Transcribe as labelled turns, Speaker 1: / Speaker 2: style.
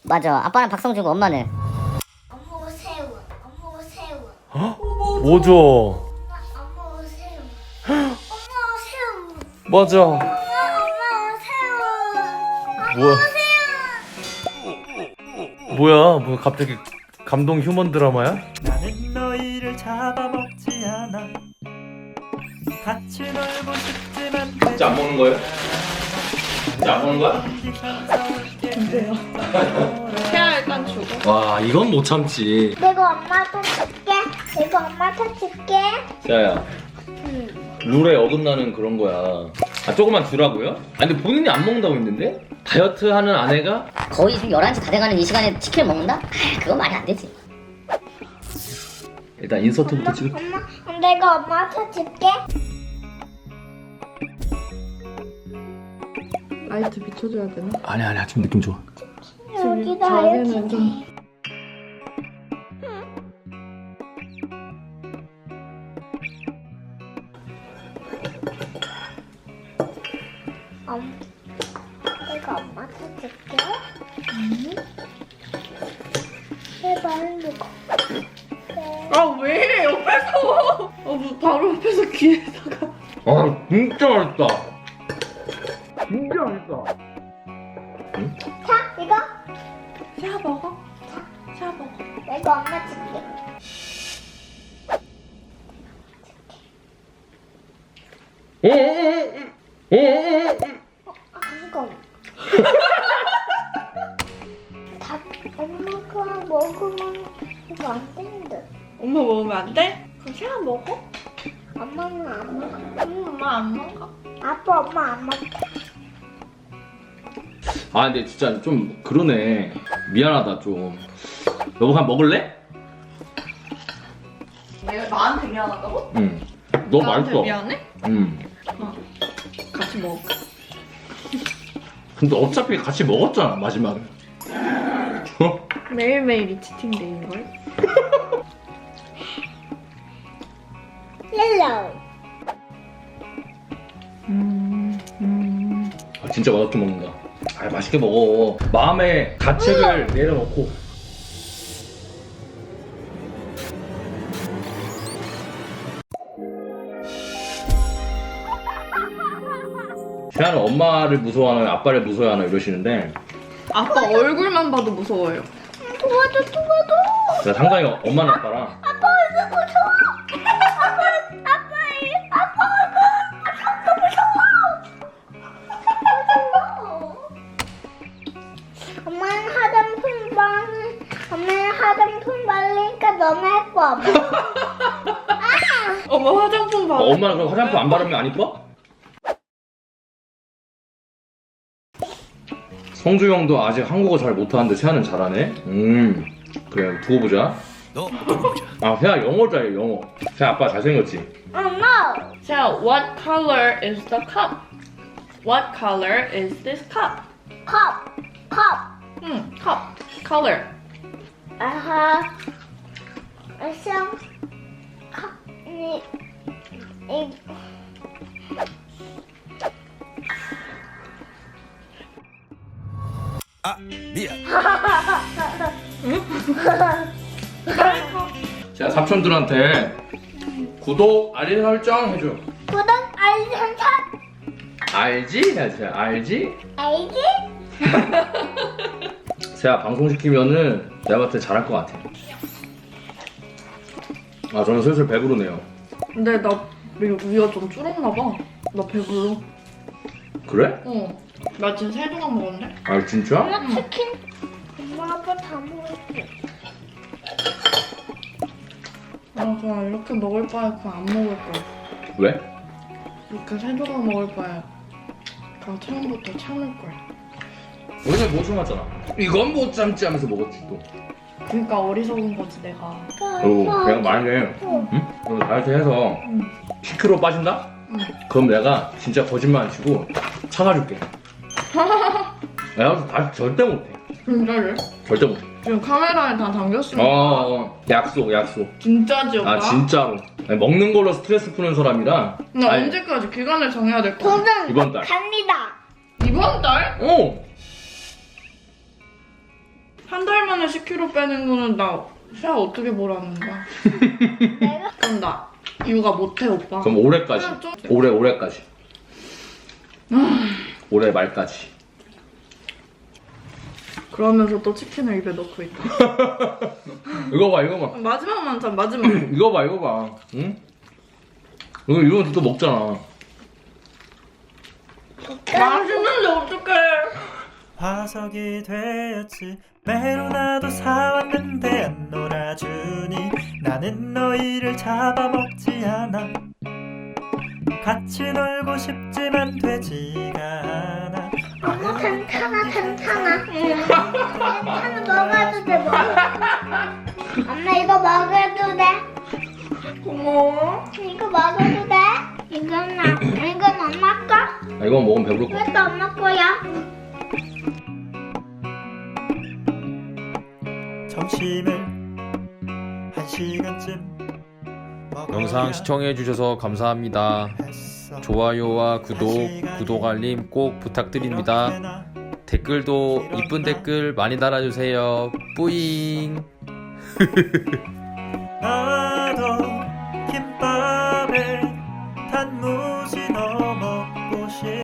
Speaker 1: 맞아. 아빠는 박성준고 엄마는.
Speaker 2: 엄마 새우. 엄마 새우.
Speaker 3: 뭐죠?
Speaker 2: 엄마 새우. 엄마 새우.
Speaker 3: 맞아.
Speaker 2: 엄마 새우.
Speaker 3: 뭐야? 뭐야? 뭐 갑자기 감동 휴먼 드라마야?
Speaker 4: 나는 너희를 잡아먹지 않아 같이 놀고 싶지만
Speaker 3: 진짜 안 먹는 거예요? 진짜 안 먹는 거야?
Speaker 5: 태아 일단 주고.
Speaker 3: 와 이건 못 참지.
Speaker 2: 내가 엄마한테 줄게. 내가 엄마한테 줄게.
Speaker 3: 야야 룰에 어긋나는 그런 거야. 아 조금만 주라고요? 아 근데 본인이 안 먹는다고 했는데? 다이어트 하는 아내가?
Speaker 1: 거의 지금 11시 다 돼가는 이 시간에 치킨을 먹는다? 아, 그건 말이 안 되지.
Speaker 3: 일단 인서트부터 찍을.
Speaker 2: 엄마, 내가 엄마한테 줄게.
Speaker 5: 라이트 비춰줘야 되나?
Speaker 3: 아니야 지금 느낌 좋아.
Speaker 2: 여기다
Speaker 5: 자세는
Speaker 2: 이렇게.
Speaker 5: 좀.
Speaker 2: 내가 엄마한테 줄게. 제발 이거.
Speaker 5: 아 왜? 옆에서. 뭐 바로 옆에서 귀에다가.
Speaker 3: 아 진짜 맛있다. 진짜 맛있다.
Speaker 2: 자, 이거
Speaker 5: 샤 먹어. 샤 먹어.
Speaker 2: 내가 엄마 줄게. 이거. 다 엄마가 먹으면 이거 안 되는데.
Speaker 5: 엄마 먹으면 안 돼? 그럼 샤 먹어?
Speaker 2: 엄마는 안 먹어.
Speaker 5: 엄마 안 먹어.
Speaker 2: 아빠 엄마 안 먹어.
Speaker 3: 아 근데 진짜 좀 그러네. 미안하다 좀. 여보 그냥 먹을래?
Speaker 5: 내가 나한테 미안하다고?
Speaker 3: 응. 너무
Speaker 5: 나한테
Speaker 3: 맛있어.
Speaker 5: 미안해?
Speaker 3: 응.
Speaker 5: 같이 먹을까?
Speaker 3: 근데 어차피 같이 먹었잖아 마지막에.
Speaker 5: 매일매일이 치팅데이인걸?
Speaker 2: 옐로우.
Speaker 3: 아, 진짜 맛없게 먹는다. 아 맛있게 먹어. 마음의 가책을 내려놓고. 태아는 엄마를 무서워하나 아빠를 무서워하나 이러시는데
Speaker 5: 아빠 얼굴만 봐도 무서워요.
Speaker 2: 도와줘.
Speaker 3: 제가 상당히 엄마는 아빠랑
Speaker 2: 아빠 얼굴 무서워. 아빠 얼굴 무서워. 엄마는 화장품 바르니까 너무 예뻐.
Speaker 5: 엄마 화장품 봐.
Speaker 3: 엄마는 그럼 화장품 안 바르면 안 이뻐? 성주 형도 아직 한국어 잘 못하는데 세아는 잘하네. 그래 두고 보자. 아 세아 영어 잘해 영어. 세아 아빠 잘생겼지?
Speaker 2: 엄마.
Speaker 5: So, what color is the cup? What color is this cup?
Speaker 2: 컵.
Speaker 5: cup. Color.
Speaker 2: 아하. 성. 컵. 이.
Speaker 3: 자 삼촌들한테 구독 알림 설정 해줘.
Speaker 2: 구독 알림 설정.
Speaker 3: 알지? 야 세아 알지?
Speaker 2: 알지?
Speaker 3: 세아 방송 시키면은 내가 봤을 때 잘할 것 같아. 아 저는 슬슬 배부르네요.
Speaker 5: 근데 나 위가 좀 줄었나 봐. 나 배불러.
Speaker 3: 그래?
Speaker 5: 나 지금 3조각 먹었네.
Speaker 3: 아 진짜?
Speaker 2: 엄마 치킨. 엄마 아빠 다 먹을게.
Speaker 5: 나 그냥 이렇게 먹을 바에 그냥 안 먹을 거야.
Speaker 3: 왜?
Speaker 5: 이렇게 3조각 먹을 바에 그냥 처음부터 참을 거야.
Speaker 3: 우리는 못 참았잖아. 이건 못 참지 하면서 먹었지 또.
Speaker 5: 그러니까 어리석은 거지 내가.
Speaker 3: 그리고 내가 만약에 응? 너 다이어트 해서 10kg 빠진다? 그럼 내가 진짜 거짓말 안 치고 참아줄게. 내가 다이어트 절대 못해.
Speaker 5: 진짜래?
Speaker 3: 절대 못해.
Speaker 5: 지금 카메라에 다 담겼으니까.
Speaker 3: 약속.
Speaker 5: 진짜지 오빠?
Speaker 3: 아 진짜로. 아니, 먹는 걸로 스트레스 푸는 사람이라.
Speaker 5: 나
Speaker 3: 아니,
Speaker 5: 언제까지 기간을 정해야 될 거야?
Speaker 2: 도전
Speaker 3: 이번 달.
Speaker 2: 갑니다.
Speaker 5: 이번 달?
Speaker 3: 어.
Speaker 5: 만에 10kg 빼는 거는 나 살 어떻게 보라는 거야?
Speaker 2: 내가
Speaker 5: 그럼 나 육아 못해 오빠.
Speaker 3: 그럼 올해까지.
Speaker 5: 그냥 좀-
Speaker 3: 올해까지. 올해 말까지.
Speaker 5: 그러면서 또 치킨을 입에 넣고 있다.
Speaker 3: 이거 봐.
Speaker 5: 마지막 만찬 마지막.
Speaker 3: 이거 봐. 응? 이거 이러면 또 먹잖아.
Speaker 5: 맛있는데 어떡해?
Speaker 4: 화석이 되었지 매로 나도 사왔는데 안 놀아주니 나는 너희를 잡아먹지 않아 같이 놀고 싶지만 되지가 않아
Speaker 2: 엄마 괜찮아. 괜찮아 먹어도 돼 엄마 이거 먹어도 돼.
Speaker 5: 고마워.
Speaker 2: 이거 먹어도 돼. 이건 엄마 거.
Speaker 3: 아, 이거 먹으면 배부를 것 같아.
Speaker 2: 이것도 엄마 거야.
Speaker 4: 점심을 1시간쯤
Speaker 6: 영상 시청해주셔서 감사합니다. 좋아요와 구독 알림 꼭 부탁드립니다. 댓글도 이쁜 댓글 많이 달아주세요. 뿌잉.